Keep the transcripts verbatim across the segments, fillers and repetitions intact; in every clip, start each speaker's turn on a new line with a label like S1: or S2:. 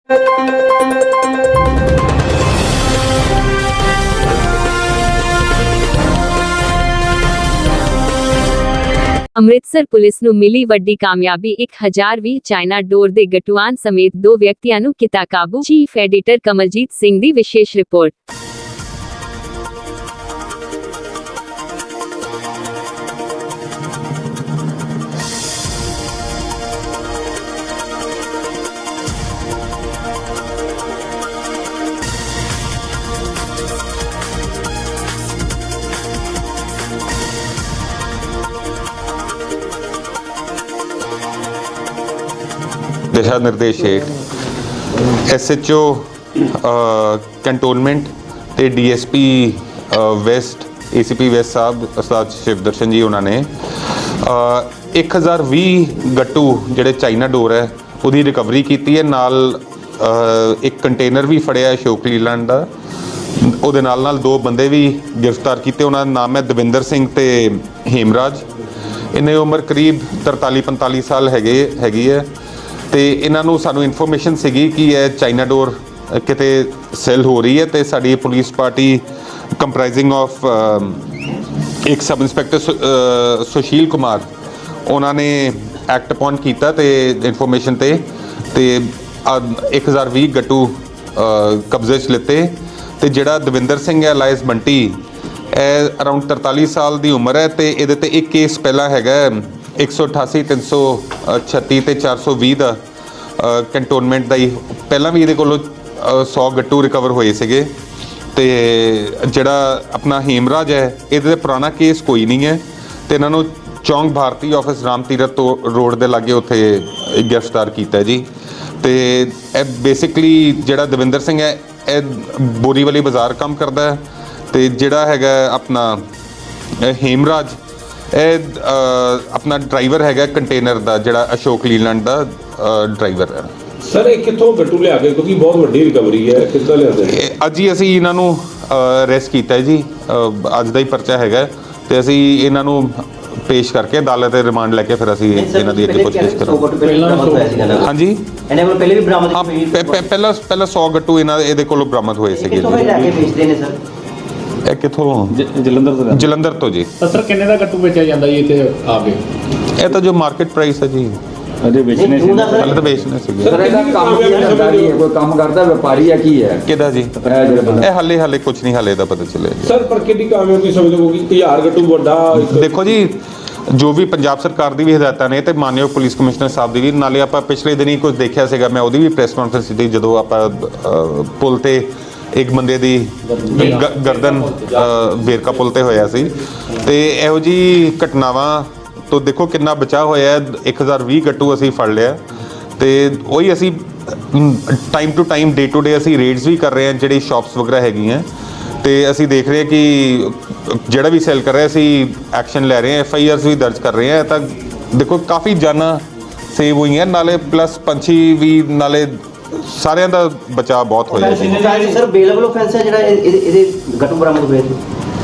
S1: Amritsar police ਨੂੰ ਮਿਲੀ ਵੱਡੀ ਕਾਮਯਾਬੀ। ਇੱਕ ਹਜ਼ਾਰ ਵੀਹ ਚਾਈਨਾ ਡੋਰ ਦੇ ਗਟੂਆਨ ਸਮੇਤ ਦੋ ਵਿਅਕਤੀਆਂ ਨੂੰ ਕੀਤਾ ਕਾਬੂ। ਚੀਫ ਐਡੀਟਰ ਕਮਲਜੀਤ ਸਿੰਘ ਦੀ ਵਿਸ਼ੇਸ਼ ਰਿਪੋਰਟ।
S2: दिशा निर्देश हेठ एस एच ओ कैंटोनमेंट ते D S P west A C P west साहब उस्ताद शिवदर्शन जी उन्होंने एक हज़ार भी गट्टू जिहड़े चाइना डोर है उहदी रिकवरी की है। नाल एक कंटेनर भी फड़िया अशोक लीलैंड का। उहदे नाल नाल दो बंदे भी गिरफ्तार किए। उन्होंने नाम है दविंदर सिंह ते हेमराज। इन्हें उम्र करीब तरताली पंताली साल हैगे हैगी है। तो इन्हों सानू इन्फॉर्मेशन सीगी कि यह चाइना डोर किते सेल हो रही है। तो साड़ी पुलिस पार्टी कंप्राइजिंग ऑफ एक सब इंस्पैक्टर सुशील कुमार उन्होंने एक्ट अपॉन किया तो इन्फॉर्मेशन ते ते एक हज़ार भी गट्टू कब्जे च लिते। तो जिहड़ा दविंदर सिंह है लाइस बंटी अराउंड तरताली साल की उम्र है। तो ये एक केस पहला हैगा एक सौ अठासी तीन सौ छत्ती तो चार सौ भी का कैंटोनमेंट का ही पहला भी ये को सौ गट्टू रिकवर होए थे। तो जोड़ा अपना हेमराज है ये पुराना केस कोई नहीं है। तो इन्हों चौंक भारती ऑफिस राम तीरथ रोड के लागे उत्थे गिरफ्तार किया जी। तो यह बेसिकली जोड़ा दविंदर सिंह है यह बोरीवली बाजार काम करता है। तो जोड़ा है अपना हेमराज ਇਹ अपना ड्राइवर है कंटेनर का जोड़ा अशोक लीलैंड का ड्राइवर है।
S3: सर ये कितों गट्टू लिया के क्योंकि बहुत वड्डी रिकवरी है कितना लिया
S2: अज ही असी इन्हों अरेस्ट किया जी। अज का ही परचा है तो असी इन्हों पेश करके अदालत रिमांड लैके फिर असी इन्हों की अगे पुछगिछ करांगे। हाँ जी हाँ पहला पहला सौ गट्टू इन्हों ये बरामद होए थे। कितों
S4: जलंधर तो
S2: जलंधर तो जी।
S4: सर किन्ने दा गट्टू बेचा जांदा जी इत्थे आके?
S2: ये तो जो मार्केट प्राइस है जी
S4: अजे बेचने से
S2: पहले तो बेचने से
S5: सर ਇਹਦਾ ਕੰਮ ਕੀ ਕਰਦਾ ਜੀ ਕੋਈ ਕੰਮ ਕਰਦਾ ਵਪਾਰੀ ਹੈ ਕੀ ਹੈ
S2: ਕਿਹਦਾ ਜੀ ਇਹ ਹਾਲੇ ਹਾਲੇ ਕੁਝ ਨਹੀਂ ਹਾਲੇ ਦਾ ਪਤਾ ਚੱਲਿਆ ਜੀ।
S3: ਸਰ ਪਰ ਕਿੰਨੀ ਕਾਮਯਾਬੀ ਸਮਝ ਲਓ ਕਿ ਹਜ਼ਾਰ ਗੱਟੂ ਵੱਡਾ
S2: ਦੇਖੋ ਜੀ ਜੋ ਵੀ ਪੰਜਾਬ ਸਰਕਾਰ ਦੀ ਵੀ ਹਦਾਇਤਾਂ ਨੇ ਤੇ ਮਾਨਯੋਗ ਪੁਲਿਸ ਕਮਿਸ਼ਨਰ ਸਾਹਿਬ ਦੀ ਵੀ ਨਾਲੇ ਆਪਾਂ ਪਿਛਲੇ ਦਿਨੀ ਕੁਝ ਦੇਖਿਆ ਸੀਗਾ ਮੈਂ ਉਹਦੀ ਵੀ ਪ੍ਰੈਸ ਕਾਨਫਰੰਸ ਕੀਤੀ ਜਦੋਂ ਆਪਾਂ ਪੁਲ ਤੇ एक बंदे दी गर्दन वेरका पुल ते होया सी। ते इहो जी घटनावां तो देखो कितना बचाव होया। एक हज़ार भी गट्टू असी फड़ लिया। तो वही असी time to time day to day असी रेड्स भी कर रहे हैं जिहड़ी शॉप्स वगैरह हैगी हैं। तो असी देख रहे हैं कि जिहड़ा भी सेल कर रहे असी एक्शन लै रहे हैं एफ आई आर भी दर्ज कर रहे हैं। तो देखो काफ़ी जाना सेव हुई हैं नाले प्लस पंछी भी नाले सारे का बचाव बहुत हो जाए।
S6: सर बेलेबल ऑफेंस है ਜਿਹੜਾ ਇਹਦੇ ਗਟੂ ਬਰਾਮਦ ਹੋਏ ਨੇ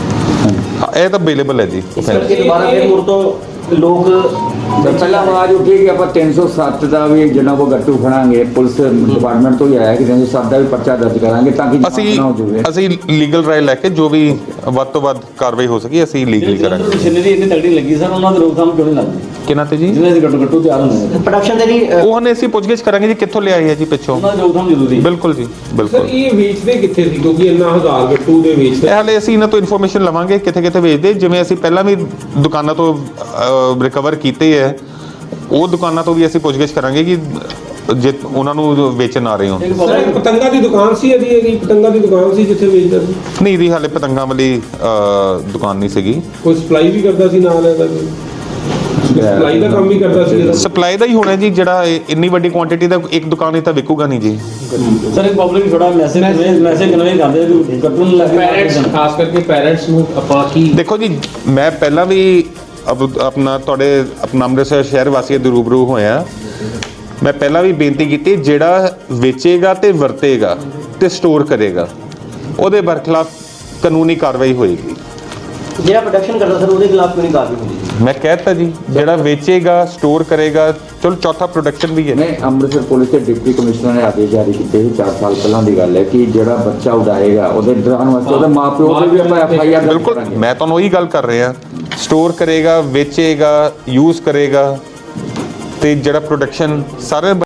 S2: ਇਹ ਤਾਂ ਅਵੇਲੇਬਲ ਹੈ ਜੀ।
S6: ਇਸ ਕਰਕੇ ਦੁਬਾਰਾ ਫਿਰ ਮੁੜ ਤੋਂ ਲੋਕ
S5: ਪਹਿਲਾਂ ਆਵਾਜ਼ ਉੱਠੀ ਕਿ ਆਪਾਂ ਤਿੰਨ ਸੌ ਸੱਤ ਦਾ ਵੀ ਜਿਹਨਾਂ ਕੋ ਗੱਟੂ ਫੜਾਂਗੇ ਪੁਲਿਸ ਡਿਪਾਰਟਮੈਂਟ ਤੋਂ ਹੀ ਆਇਆ ਕਿ ਤਿੰਨ ਸੌ ਸੱਤ ਦਾ ਵੀ ਪਰਚਾ ਦਰਜ ਕਰਾਂਗੇ ਤਾਂ ਕਿ
S2: ਅਸੀਂ ਅਸੀਂ ਲੀਗਲ ਰਾਏ ਲੈ ਕੇ ਜੋ ਵੀ ਵੱਧ ਤੋਂ ਵੱਧ ਕਾਰਵਾਈ ਹੋ ਸਕੀ ਅਸੀਂ ਲੀਗਲੀ ਕਰਾਂਗੇ।
S4: ਮਸ਼ੀਨਰੀ ਇੰਨੀ ਤਗੜੀ ਲੱਗੀ ਸਰ ਉਹਨਾਂ ਦੇ ਰੋਕਥਾਮ ਕਿਉਂ ਨਹੀਂ ਲੱਗਦੀ
S2: ਕਿਹਨਾਂ ਤੇ ਜੀ
S4: ਜਿਹਨਾਂ ਦੇ ਗੱਟੂ ਗੱਟੂ ਤਿਆਰ ਹੁੰਦੇ ਨੇ
S6: ਪ੍ਰੋਡਕਸ਼ਨ ਦੇ ਲਈ
S2: ਉਹ ਨੇ ਅਸੀਂ ਪੁੱਛਗਿੱਛ ਕਰਾਂਗੇ ਜੀ ਕਿੱਥੋਂ ਲਿਆਏ ਹੈ ਜੀ ਪਿੱਛੋਂ
S4: ਉਹਨਾਂ ਦੀ ਰੋਕਥਾਮ ਜ਼ਰੂਰੀ
S2: ਬਿਲਕੁਲ ਜੀ ਬਿਲਕੁਲ।
S3: ਸਰ ਇਹ ਵੇਚਦੇ ਕਿੱਥੇ ਸੀ ਕਿਉਂਕਿ ਇੰਨਾ ਹਜ਼ਾਰ ਗੱਟੂ ਦੇ ਵੇਚਦੇ
S2: ਹਾਲੇ ਅਸੀਂ ਇਹਨਾਂ ਤੋਂ ਇਨਫੋਰਮੇਸ਼ਨ ਲਵਾਂਗੇ ਕਿੱਥੇ ਕਿੱਥੇ ਵੇਚਦੇ। ਜਿਵੇਂ ਅਸੀਂ ਪਹਿਲਾਂ ਵੀ ਦੁਕਾਨਾਂ ਤੋਂ ਰਿਕਵਰ ਕੀਤੇ ਹੈ ਉਹ ਦੁਕਾਨਾਂ ਤੋਂ ਵੀ ਅਸੀਂ ਪੁੱਛਗਿੱਛ ਕਰਾਂਗੇ ਕਿ ਜੇ ਉਹਨਾਂ ਨੂੰ ਵੇਚਣ ਆ ਰਹੇ ਹੋ।
S3: ਸਰ ਪਤੰਗਾ ਦੀ ਦੁਕਾਨ ਸੀ ਇਹਦੀ ਇਹਦੀ ਪਤੰਗਾ ਦੀ ਦੁਕਾਨ ਸੀ ਜਿੱਥੇ ਵੇਚਦਾ ਸੀ?
S2: ਨਹੀਂ ਜੀ ਹਾਲੇ ਪਤੰਗਾਂ ਵਾਲੀ ਦੁਕਾਨ ਨਹੀਂ ਸੀਗੀ।
S3: ਕੋਈ ਸਪਲਾਈ ਵੀ ਕਰਦਾ ਸੀ ਨਾਲ ਇਹਦਾ ਸਪਲਾਈ ਦਾ ਕੰਮ ਵੀ ਕਰਦਾ ਸੀ?
S2: ਸਪਲਾਈ ਦਾ ਹੀ ਹੋਣਾ ਜੀ ਜਿਹੜਾ ਇੰਨੀ ਵੱਡੀ ਕੁਆਂਟੀਟੀ ਦਾ ਇੱਕ ਦੁਕਾਨ ਹੀ ਤਾਂ ਵਿਕੂਗਾ ਨਹੀਂ ਜੀ।
S4: ਸਰ ਇੱਕ ਪਬਲਿਕ ਥੋੜਾ ਮੈਸੇਜ ਮੈਸੇਜ ਕਨਵੇ ਕਰਦੇ ਕਿ ਕੱਟਣ ਲੱਗੇ ਪੈਰੈਂਟਸ ਖਾਸ ਕਰਕੇ ਪੈਰੈਂਟਸ ਨੂੰ ਆਪਾਂ ਕੀ
S2: ਦੇਖੋ ਜੀ ਮੈਂ ਪਹਿਲਾਂ ਵੀ अपना तुहाडे अपना अमृतसर शहर वासियों के रूबरू होया मैं पहला भी बेनती की जिहड़ा वेचेगा तो वरतेगा तो स्टोर करेगा ਉਹਦੇ ਬਰਖਲਾਫ कानूनी कार्रवाई होएगी।
S6: ਜਿਹੜਾ ਪ੍ਰੋਡਕਸ਼ਨ ਕਰਦਾ ਸਰ ਉਹਦੇ ਖਿਲਾਫ ਕਿਉਂ ਨਹੀਂ ਕਾਰਵਾਈ ਹੁੰਦੀ?
S2: ਮੈਂ ਕਹਿਤਾ ਜੀ, ਜਿਹੜਾ ਵੇਚੇਗਾ ਸਟੋਰ ਕਰੇਗਾ, ਚਲੋ ਚੌਥਾ ਪ੍ਰੋਡਕਸ਼ਨ ਵੀ ਹੈ।
S5: ਨਹੀਂ, ਅੰਮ੍ਰਿਤਸਰ ਪੁਲਿਸ ਦੇ ਡਿਪਟੀ ਕਮਿਸ਼ਨਰ ਨੇ ਆਦੇਸ਼ ਜਾਰੀ ਕੀਤੇ ਸੀ ਚਾਰ ਸਾਲ ਪਹਿਲਾਂ ਦੀ ਗੱਲ ਹੈ ਕਿ ਜਿਹੜਾ ਬੱਚਾ ਉਡਾਏਗਾ ਉਹਦੇ ਡਰਾਉਣ ਵਾਸਤੇ ਉਹਦੇ ਮਾਪਿਓ ਤੇ ਵੀ ਆਪਾਂ ਐਫ ਆਈ ਆਰ
S2: ਬਿਲਕੁਲ, ਮੈਂ ਤੁਹਾਨੂੰ ਉਹੀ ਗੱਲ ਕਰ ਰਿਹਾ, ਸਟੋਰ ਕਰੇਗਾ, ਵੇਚੇਗਾ, ਯੂਜ਼ ਕਰੇਗਾ ਤੇ ਜਿਹੜਾ ਪ੍ਰੋਡਕਸ਼ਨ ਸਾਰੇ